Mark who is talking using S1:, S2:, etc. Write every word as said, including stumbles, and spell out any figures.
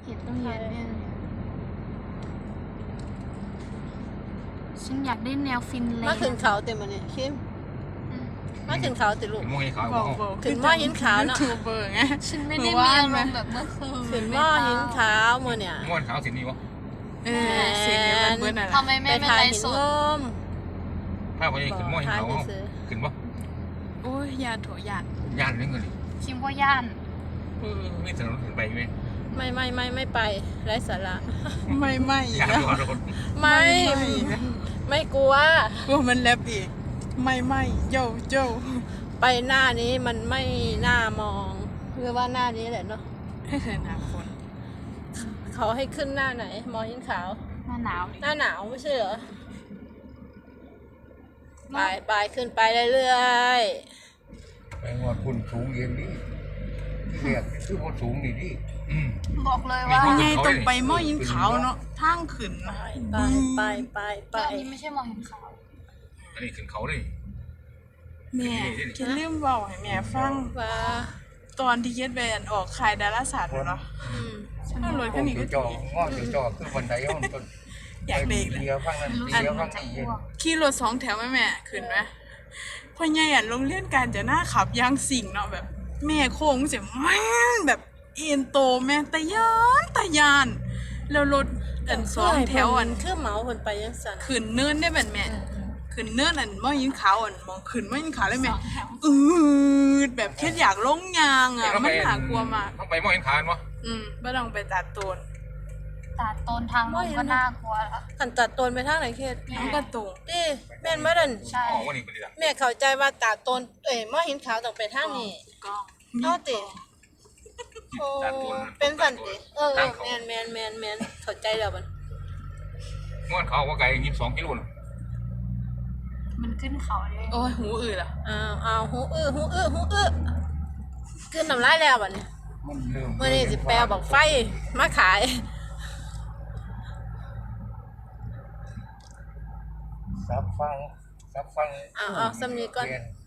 S1: ติดต้องเย็นเนี่ยฉันอยากได้แนวฟินแลนด์
S2: มาขึ้นเขาเต็มมันนี่คิมมาขึ้นเขาติลูก
S3: มวยขาว
S4: บอกบอก
S2: ขึ้นหม้อหินขาวเนอะ
S4: ทูเบอร์ไง
S1: ฉันไม่ได้มีอารมณ์แบบเมื่อคืน
S2: ขึ้นหม้อหินขาวมือเนี่ย
S3: ม้วนขาวสีนี้วะ
S4: เออเสียงเนี่ยมันเบิ้ลอะไร
S1: ทำไม
S2: ไป
S1: ไม่เป็น
S2: ถ่าย
S1: ไร
S2: หิน
S1: ส
S2: ง
S1: ด
S2: ม
S3: ถ้าไปขึ้นม้วนขาวขึ้นปะ
S4: โอ้ยยาโถยาน
S3: ย่านเรื่องเงิน
S1: คิมว่าย่าน
S3: เออไม่ถนนขึ้นไปไหม
S2: ไม่ไม่ไม่ไม่ไปไร้สาระ
S4: ไม่ไม่อีก
S3: ย่าน
S4: แล้ว
S3: ตัวรถ
S2: ไม่
S4: อีกแล้ว
S2: ไม่กลัว
S4: กลัวมันแลบอีกไม่ไม่โย่โย่
S2: ไปหน้านี้มันไม่น่ามองเรียกว่าหน้านี้แหละเนาะ
S4: ให้เธอหนาคน
S2: เขาให้ขึ้นหน้าไหนหมอหินขาว
S1: หน้าหนาวดิ
S2: หน้าหนาวไม่ใช่เหรอไปไปขึ้นไปเรื่อย
S5: ไปงอดคุณสูงเย็นนี่เรียกคือว่าสูงนี่ดิ
S1: บอกเลยว่า
S4: ไงตรงไปหม้อยินขาวเนาะทางขึ้น
S2: ๆ
S4: นะ
S2: ไปไปไปไป
S1: แต่อันนี้ไม่ใช่มองเห็นขาว
S3: อันนี้ขึ้นเขาเลย
S4: แม่คิดเรื่องบอกให้แม่ฟัง
S2: ว่า
S4: ตอนที่เย็ดแบนออกขายดาราศาสตร์เนาะ
S2: อืม
S4: ถ้ารถ
S5: โอ้
S4: คันนี้
S5: ย
S4: ก็
S5: จอกงอดจอกคือบันไดมันต้น
S4: อยากเด็ก
S5: เดียวฟังนั้นเดียวฟังนี่เย็น
S4: ขี่รถสองแถวแม่แม่ขึ้นไหมพ่อใหญ่อ่ะโรงเรียนการจะหน้าขับยางสิ่งเนาะแบบ แม่โค้งเสียแม่นแบบเอ็นโตแม่ตะยานตะยาน แล้วรถอันสองแถวอัน
S2: คือเหมาคนไปยังสัน
S4: ขึ้นเนินได้แบบแม่ขึ้นเนินอันมองยิงขาวอันมองขึ้นมองยิงขาวเลยแม่
S1: สองแถว
S4: อืดแบบแค่อยากลงยางอ่ะมันน่ากลัวมาก
S3: ต้องไปม้วนขาววะ
S4: อืมไม่ต้องไปตัดโตน
S1: ตาดโตนทางลงก็น่ากลัวแล้ว
S2: ขันตัดตนไปทางไหนเขต
S4: น้ำกระตุง
S2: ดิแม่นบ่ดัน
S1: ใช่
S3: อ๋อวันนี้เป็นดีละ
S2: แม่เข้าใจว่าตัดตนเอ้ยหม้อหินขาวต้องไปทางนี้
S4: กล้อง
S2: เท่าติโอ้เป็นสันติเออเออแมนแมนแมนแมนเข้าใจแล้วบัด
S3: ม้วนขาวว่าไกลยี่สิบสองกิโล
S1: มันขึ้นเขาเลย
S4: โอ้ยหูอืดอ่ะ
S2: อ้าวอ้าวหูอื้อหูอื้อหูอื้อขึ้นน้ำลายแล้วบัดนี้
S5: มันเริ่ม
S2: มื้อนี้สิแปลบอกไฟมาขาย
S5: ซับฟังซับฟัง
S2: อ้าวอ้าวสำนีก่อน
S5: เรียน